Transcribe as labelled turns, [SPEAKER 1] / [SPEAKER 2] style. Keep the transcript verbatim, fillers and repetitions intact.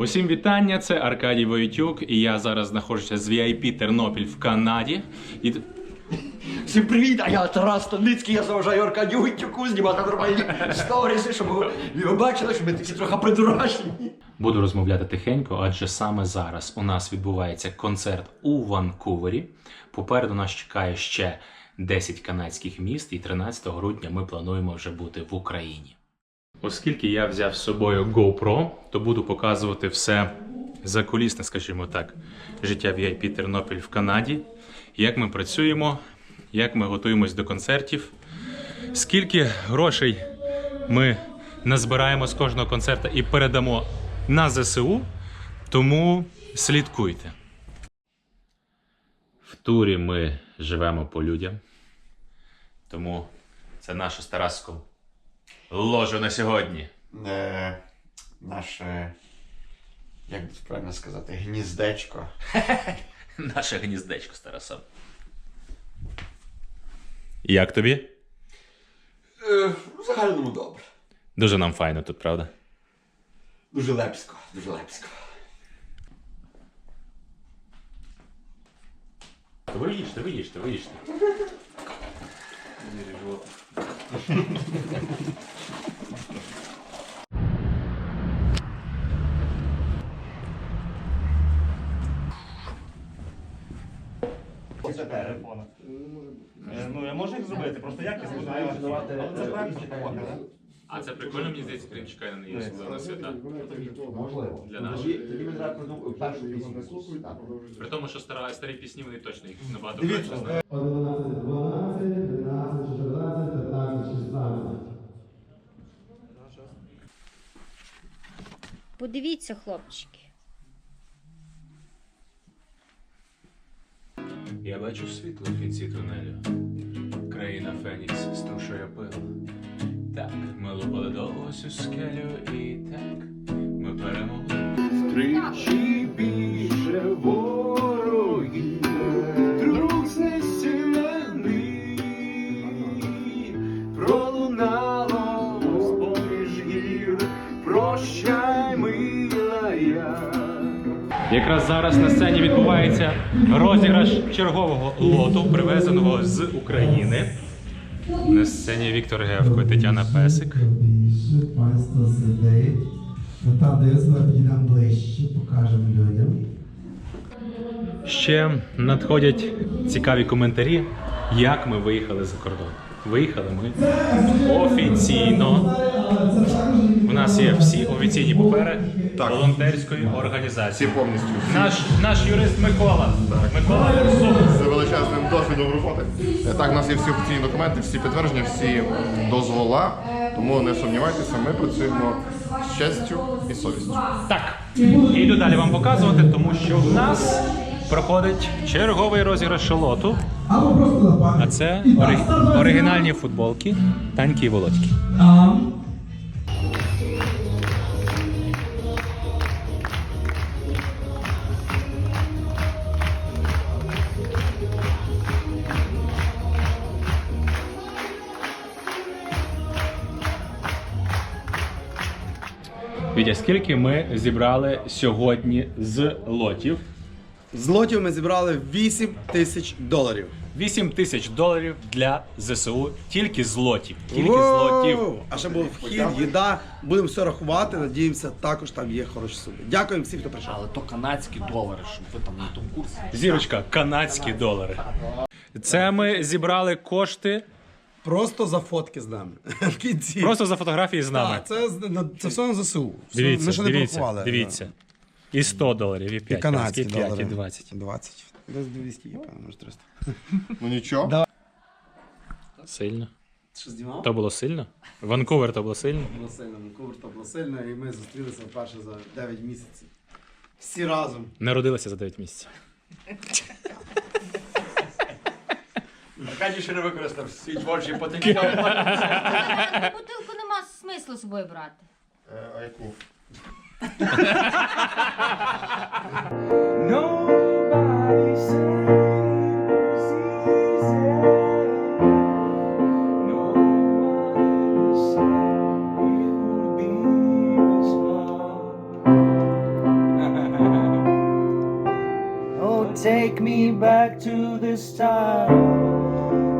[SPEAKER 1] Усім вітання, це Аркадій Войтюк, і я зараз знаходжуся з ві ай пі Тернопіль в Канаді. І...
[SPEAKER 2] Всім привіт, а я Тарас Станицький, я заважаю Аркадію Войтюку знімати нормальні сторіси, щоб ви бачили, що ми такі трохи придурашні.
[SPEAKER 1] Буду розмовляти тихенько, адже саме зараз у нас відбувається концерт у Ванкувері. Попереду нас чекає ще десять канадських міст, і тринадцятого грудня ми плануємо вже бути в Україні. Оскільки я взяв з собою GoPro, то буду показувати все закулісне, скажімо так, життя ві ай пі Тернопіль в Канаді, як ми працюємо, як ми готуємось до концертів, скільки грошей ми назбираємо з кожного концерту і передамо на зе се у, тому слідкуйте. В турі ми живемо по людям, тому це наше з Тараском ложу на сьогодні.
[SPEAKER 2] Е, наше, як би правильно сказати, гніздечко.
[SPEAKER 1] Наше гніздечко з Тарасом. Як тобі?
[SPEAKER 2] Е, в загальному добре.
[SPEAKER 1] Дуже нам файно тут, правда?
[SPEAKER 2] Дуже лепсько, дуже лепсько.
[SPEAKER 1] Ви їжте, ви їжте, ви їжте.
[SPEAKER 3] Телефона. Ну, я можу їх зробити, просто як я зможу. Але це практика.
[SPEAKER 1] А це прикольно, мені здається, Крим чекає на неї особливо свята.
[SPEAKER 2] Можливо.
[SPEAKER 1] Для нас.
[SPEAKER 2] Тоді, тоді ми зараз придумаємо першу пісню. Так.
[SPEAKER 1] При тому, що стара, старі пісні, вони точно їх набагато
[SPEAKER 2] Дивіться,
[SPEAKER 1] краще знають.
[SPEAKER 4] одинадцять, дванадцять, тринадцять, чотирнадцять, п'ятнадцять, шістнадцять.
[SPEAKER 5] Подивіться, хлопчики.
[SPEAKER 1] Я бачу світло в кінці тунелю. Країна Фенікс струшує пил. Так, ми лупали довго всю скелю і так ми перемогли.
[SPEAKER 6] Тричі більше ворогів, друг знесилений, пролунало з-поміж гір, прощай, мила я.
[SPEAKER 1] Якраз зараз на сцені відбувається розіграш чергового лоту, привезеного з України. На сцені Віктор Гевко, Тетяна Песик.
[SPEAKER 4] Більше панство сидить. Ну там, де я підійдемо ближче, покажемо людям.
[SPEAKER 1] Ще надходять цікаві коментарі, як ми виїхали за кордон. Виїхали ми офіційно. У нас є всі офіційні папери волонтерської організації.
[SPEAKER 7] Всі повністю.
[SPEAKER 1] Наш, наш юрист Микола. Микола Юрсов.
[SPEAKER 7] З величезним досвідом роботи. Так, у нас є всі офіційні документи, всі підтвердження, всі дозвола. Тому не сумнівайтеся, ми працюємо з честю і совістю.
[SPEAKER 1] Так, іду далі вам показувати, тому що в нас проходить черговий розіграш лоту.
[SPEAKER 4] Або просто на
[SPEAKER 1] А
[SPEAKER 4] пам'ять.
[SPEAKER 1] це ори- оригінальні футболки Таньки і Володьки.
[SPEAKER 4] А,
[SPEAKER 1] Вітя, скільки ми зібрали сьогодні з лотів?
[SPEAKER 8] З лотів ми зібрали вісім тисяч доларів.
[SPEAKER 1] вісім тисяч доларів для зе се у тільки з лотів. Тільки з
[SPEAKER 8] Воу!
[SPEAKER 1] лотів.
[SPEAKER 8] А ще був вхід, їда. Будемо все рахувати. Надіємося, також там є хороші суми. Дякуємо всім, хто прийшов.
[SPEAKER 3] Але то канадські долари, щоб ви там на тому курсі.
[SPEAKER 1] Зірочка, канадські долари. Це ми зібрали кошти
[SPEAKER 8] Просто за фотки з нами. В кінці.
[SPEAKER 1] просто за фотографії з нами.
[SPEAKER 8] Так, це, з- на- це все на зе се у. Все,
[SPEAKER 1] Дивіться,
[SPEAKER 8] ми ще не
[SPEAKER 1] дивіться,
[SPEAKER 8] порахували.
[SPEAKER 1] дивіться. І сто доларів, і
[SPEAKER 8] І
[SPEAKER 1] п'ять,
[SPEAKER 8] канадські
[SPEAKER 1] і п'ять,
[SPEAKER 8] долари.
[SPEAKER 1] і двадцять.
[SPEAKER 8] двадцять. Десь двісті є, певно, може триста.
[SPEAKER 7] Ну нічого.
[SPEAKER 8] Да.
[SPEAKER 1] Сильно.
[SPEAKER 8] Що знімав?
[SPEAKER 1] То було сильно? Ванкувер то було сильно?
[SPEAKER 8] Було сильно, Ванкувер то було сильно, і ми зустрілися вперше за дев'ять місяців. Всі разом.
[SPEAKER 1] Народилася за дев'ять місяців.
[SPEAKER 2] Аркадій ще не використав свій творчий потенціал.
[SPEAKER 5] Бутилку нема смислу з собою брати.
[SPEAKER 7] Е, а яку?
[SPEAKER 6] Nobody saves easy. Nobody said it would be this long. Take me back to the start.